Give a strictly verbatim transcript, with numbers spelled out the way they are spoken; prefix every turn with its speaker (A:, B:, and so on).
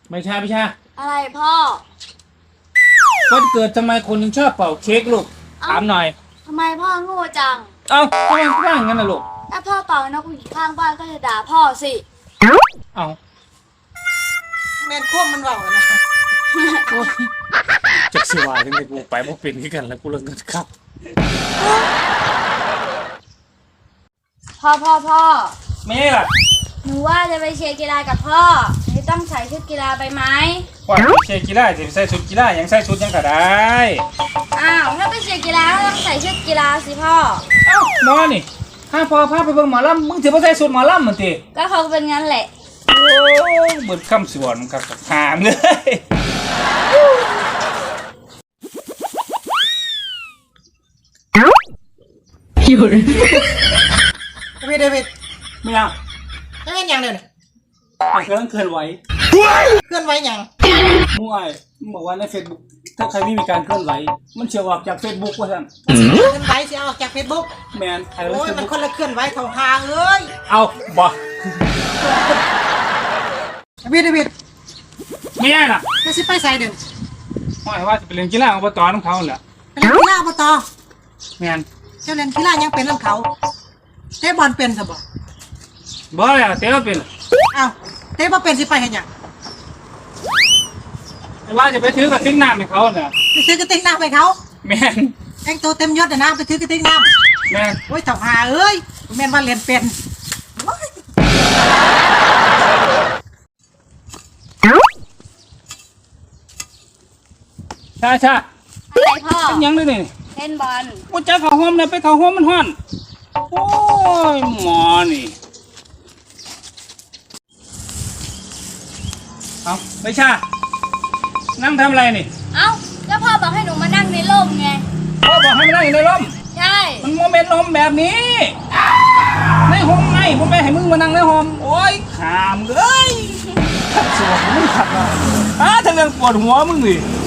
A: ไม่ใช่ไม่ใช่
B: อะไรพ่อ
A: วันเกิดทำไมคนถึงชอบเป่าเค้กลูกถามหน่อย
B: ทำไมพ่อโง่จัง
A: เอ้าทำไมว่างงั้นน่ะลูก
B: ถ้าพ่อเป่านกหวีดข้างบ้านก็จะด่าพ่อสิ
A: เอ้า
C: แมนควบมันเบานะ
A: จากสิวาถึงได้กูไปบ่เป็นขึ้นกันแล้วกูเลิกกันครับ
B: พ่อพ่อพ่อ
A: เมย์ล่ะ
B: หนูว่าจะไปเชียร์กีฬากับพ่อหนูต้องใส่ชุดกีฬาไปไหม
A: ว่าเชียร์กีฬาจะใส่ชุดกีฬายังใส่ชุดยังก็ได้
B: อ้าวถ้าไปเชียร์กีฬาก็ต้องใส่ชุดกีฬาสิพ่อ
A: เอ้าหมอนี่ถ้าพอพาไปเบิ่งหมอลำมึงถือว่าใส่ชุดหมอลำเหมือนตี
B: ก็เขาเป็นงั้นแหละ
A: โอ้เบิดคำสวนกับหามเลย
C: อยู่เดวิดเดวิด
A: ไม่เอา
C: จะเล่นยังเดี๋ยวนี้
A: เครื่องเคลื่อนไหว
C: เคลื่อนไหวยัง
A: มั่วมึงบอกว่าในเฟซบุ๊กถ้าใครไม่มีการเคลื่อนไหวมันเชื่อออกจากเฟซบุ๊กว่าท่าน
C: เคลื่อนไหวจะออกจากเฟซบุ๊ก
A: แมน
C: โอ้ยมันคนละเคลื่อนไหวของหางเลย
A: เอาบ่
C: เดวิดเดวิด
A: ไม่ได้ล่ะ
C: จะสิไปใส่เดี๋ยว
A: ว่าว่าจะไปเล่นกีฬาอบตของเขาแหละ
C: ไปเล่นกีฬาอบต
A: แมน
C: เจ้าเล่นกีฬายังเป็นเรื่องเขาเตะบอลเป็นสบ
A: บ่เลยเตะเป็น
C: อ้าวเตะบอลเป็นสิไปเห็นยัง
A: ว่าจะไปถือกระติกน้ำให้เขาเนี่ย
C: ไปซื้อกระติกน้ำให้เขา
A: แมน
C: แองตัวเต็มยศนะไปซื้อกระติกน้
A: ำแมน
C: โอ้ยเถ่าหาเอ้ยแมนว่าเรียนเป็น
A: ใช่ใช่
B: อะไรพ่อ
A: ยังเลยนี่
B: เล่นบอล
A: ว่าจะเข้าห้องเนี่ยไปเข้าห้องมันห้อนโอ้ยหมอนี่เอาไม่ใช่นั่งทำอะไรนี่
B: เอ้าแล้วพ่อบอกให้หนูมานั่งในร่มไง
A: พ่อบอกให้มานั่งอยู่ในร่ม
B: ใช่
A: มันโมเมนต์ร่มแบบนี้ในห้องไงผมไปให้มึงมานั่งในห้องโอ้ยขามเลยขัดสวมมึงขัดมาอ่ะถ้าเรื่องปวดหัวมึงดิ